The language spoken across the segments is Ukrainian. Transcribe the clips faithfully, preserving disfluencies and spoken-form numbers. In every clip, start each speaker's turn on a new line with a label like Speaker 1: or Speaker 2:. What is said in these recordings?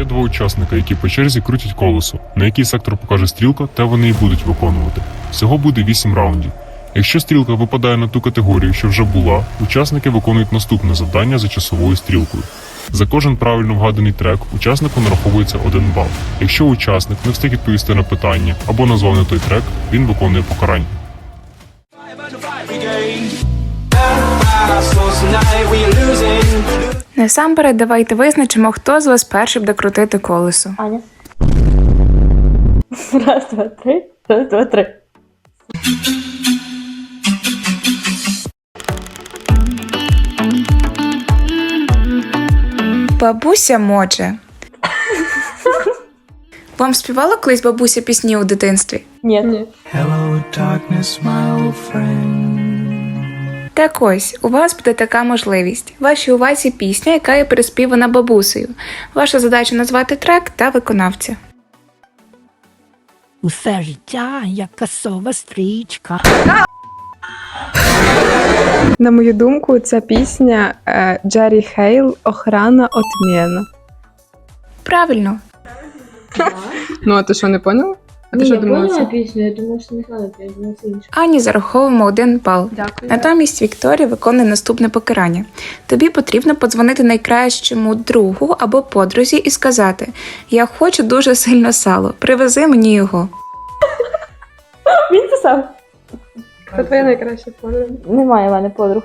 Speaker 1: два учасника, які по черзі крутять колесо. На який сектор покаже стрілка, те вони і будуть виконувати. Всього буде вісім раундів. Якщо стрілка випадає на ту категорію, що вже була, учасники виконують наступне завдання за часовою стрілкою. За кожен правильно вгаданий трек учаснику нараховується один бал. Якщо учасник не встиг відповісти на питання або назвав не той трек, він виконує покарання.
Speaker 2: Насамперед, давайте визначимо, хто з вас перший буде крутити колесо.
Speaker 3: Аня. Раз, два, три. Раз, два, три.
Speaker 2: Бабуся Моче. Вам співала колись бабуся пісні у дитинстві?
Speaker 3: Ні. Ні.
Speaker 4: Hello, darkness, my old friend.
Speaker 2: Так ось, у вас буде така можливість. Вашій увазі пісня, яка є переспівана бабусею. Ваша задача назвати трек та виконавця.
Speaker 5: Усе життя, як касова стрічка.
Speaker 6: На мою думку, ця пісня е, Джері Хейл «Охрана отмена».
Speaker 2: Правильно.
Speaker 6: Ну, а ти що, не поняла? А ти
Speaker 3: Ні,
Speaker 6: що
Speaker 3: я
Speaker 6: думала?
Speaker 3: поняла
Speaker 6: це?
Speaker 3: пісню, я думала, що не знала пісню, я думала, це інше.
Speaker 2: Ані зараховуємо один бал.
Speaker 6: Дякую.
Speaker 2: Натомість Вікторія виконує наступне покарання. Тобі потрібно подзвонити найкращому другу або подрузі і сказати: «Я хочу дуже сильно сало, привези мені його».
Speaker 3: Він писав?
Speaker 6: Це твоя найкраща подруга.
Speaker 3: Немає в мене подруг.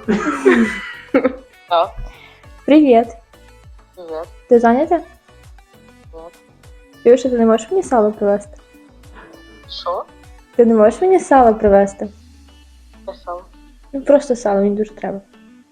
Speaker 3: Привіт.
Speaker 7: Привет.
Speaker 3: Ти зайнята?
Speaker 7: Нет.
Speaker 3: Юша, ти не можеш мені сало привезти?
Speaker 7: Що?
Speaker 3: Ти не можеш мені сало привезти?
Speaker 7: Писав.
Speaker 3: Ну просто сало, мені дуже треба.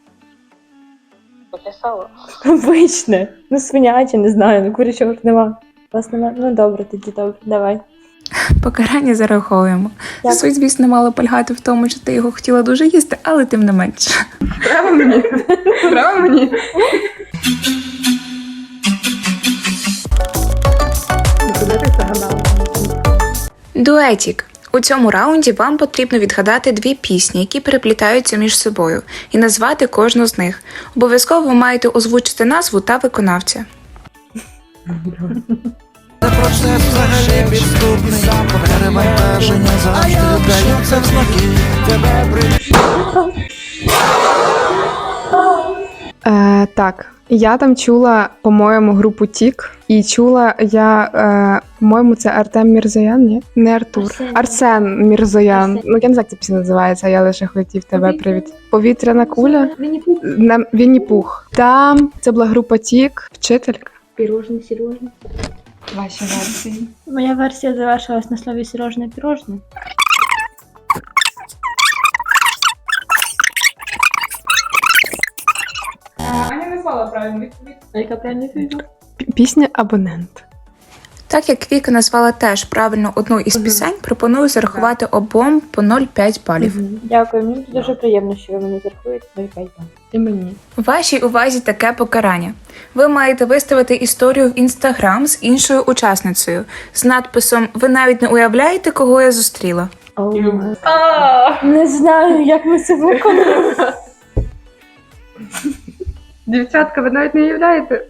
Speaker 7: Написала.
Speaker 3: Обичне. Ну свиняче, не знаю, ну курячого ж нема. Вас нема? Ну добре, тоді добре, давай.
Speaker 2: Покарання зараховуємо.
Speaker 3: Дякую.
Speaker 2: Суть, звісно, мало полягати в тому, що ти його хотіла дуже їсти, але тим не менше.
Speaker 6: Право мені? Право мені? Куди ти загадала?
Speaker 2: Дуетік. У цьому раунді вам потрібно відгадати дві пісні, які переплітаються між собою, і назвати кожну з них. Обов'язково ви маєте озвучити назву та виконавця.
Speaker 4: Процес взагалі підступний, перевантаження завжди вдаються в знаки. Тебе
Speaker 6: Е, так, я там чула, по-моєму, групу Тік. І чула я, е, по-моєму, це Артем Мірзоян, ні? Не Артур.
Speaker 3: Арсен.
Speaker 6: Арсен Мірзоян.
Speaker 3: Арсен.
Speaker 6: Ну, я не знаю, як ця пісня називається, я лише хотів тебе
Speaker 3: Повітряна-
Speaker 6: привіт. Повітряна куля?
Speaker 3: Мені пу-
Speaker 6: На Вінні Пух. Там це була група Тік, вчителька.
Speaker 3: Пірожне, сірожне.
Speaker 6: Ваші версії.
Speaker 3: Моя версія завершилась на слові сірожне, пірожне.
Speaker 6: Аня не знала правильну відповідь.
Speaker 3: А яка правильна відповідь?
Speaker 6: Пісня «Абонент».
Speaker 2: Так як Віка назвала теж правильно одну із пісень, пропоную зарахувати обом по нуль цілих п'ять балів.
Speaker 3: Дякую, мені дуже приємно, що ви мені зарахуєте нуль цілих п'ять балів.
Speaker 6: І мені.
Speaker 2: У вашій увазі таке покарання. Ви маєте виставити історію в Інстаграм з іншою учасницею з надписом «Ви навіть не уявляєте, кого я зустріла».
Speaker 3: Не знаю, як ми це виконуємо.
Speaker 6: Дівчатка, ви навіть не уявляєте?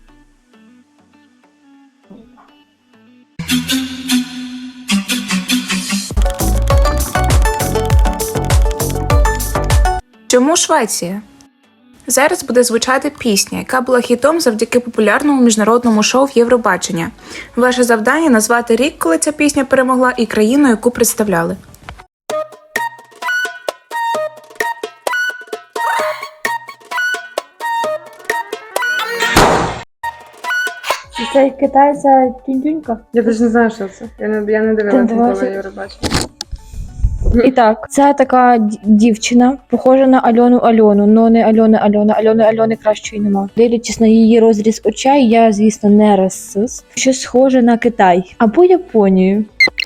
Speaker 2: Чому Швеція? Зараз буде звучати пісня, яка була хітом завдяки популярному міжнародному шоу Євробачення. Ваше завдання – назвати рік, коли ця пісня перемогла, і країну, яку представляли.
Speaker 3: Чи це китайця тюнь-тюнька?
Speaker 6: Я навіть не знаю, що це. Я не, я не
Speaker 3: Ти
Speaker 6: дивилася
Speaker 3: дивилася?
Speaker 6: ніколи Євробачення.
Speaker 3: І так, це така д- дівчина, похожа на Альону Альону, но не Альона Альона, Альони Альони кращої нема. Дивлячись на її розріз очей, я, звісно, не расист. Щось схоже на Китай або Японію.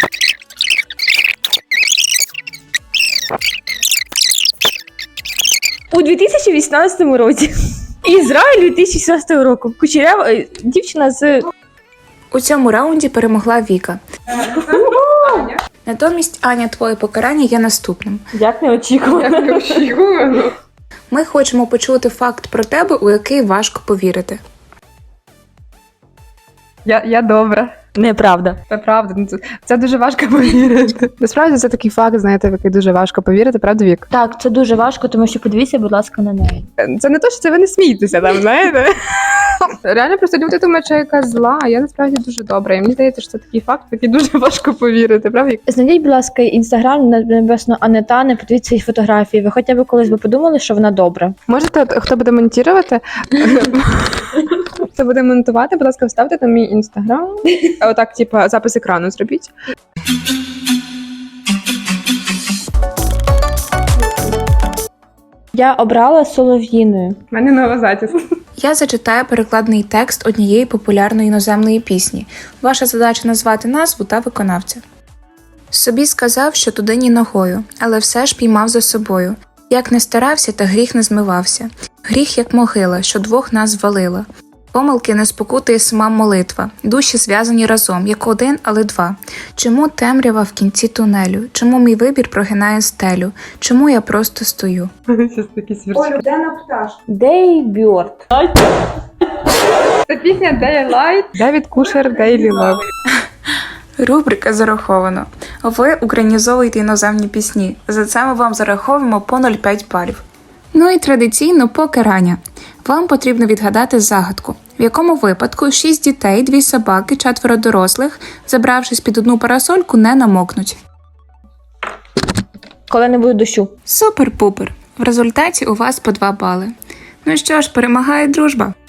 Speaker 3: У дві тисячі вісімнадцятому році. Ізраїль дві тисячі шістнадцятого року. Кучерява е, дівчина з
Speaker 2: У цьому раунді перемогла Віка. Натомість, Аня, твоє покарання є наступним.
Speaker 3: як неочікувано.
Speaker 6: Очікувано.
Speaker 2: Ми хочемо почути факт про тебе, у який важко повірити.
Speaker 6: Я, я добра.
Speaker 3: Неправда.
Speaker 6: Це правда. Ну, Це, це дуже важко повірити. Насправді це такий факт, знаєте, в який дуже важко повірити, правда, Вік?
Speaker 3: Так, це дуже важко, тому що подивіться, будь ласка, на неї.
Speaker 6: Це не то, що це ви не смієтеся там, знаєте. Реально просто люди думають, що я якась зла, а я насправді дуже добра. І мені здається, що це такий факт, в який дуже важко повірити, правда? Вік?
Speaker 3: Знайдіть, будь ласка, інстаграм небесно Анетани, подивіться її фотографії. Ви хоча б колись би подумали, що вона добра.
Speaker 6: Можете, от, хто буде монтувати, хто буде монтувати, будь ласка, вставте там мій інстаграм. А отак, типа, запис екрану зробіть.
Speaker 3: Я обрала солов'їною.
Speaker 6: У мене нова затіс.
Speaker 2: Я зачитаю перекладний текст однієї популярної іноземної пісні. Ваша задача назвати назву та виконавця. Собі сказав, що туди ні ногою, але все ж піймав за собою. Як не старався, та гріх не змивався. Гріх, як могила, що двох нас звалила. Помилки не спокутує сама молитва. Душі зв'язані разом, як один, але два. Чому темрява в кінці тунелю? Чому мій вибір прогинає стелю? Чому я просто стою?
Speaker 6: Щас такі сверчки.
Speaker 3: Дейбьорд.
Speaker 6: Це пісня Daylight. Девід Кушер, Daily Love.
Speaker 2: Рубрика зараховано. Ви українізовуєте іноземні пісні. За це ми вам зараховуємо по нуль цілих п'ять балів. Ну і традиційно покарання. Вам потрібно відгадати загадку, в якому випадку шість дітей, дві собаки, четверо дорослих, забравшись під одну парасольку, не намокнуть.
Speaker 3: Коли не буде дощу.
Speaker 2: Супер-пупер! В результаті у вас по два бали. Ну що ж, перемагає дружба.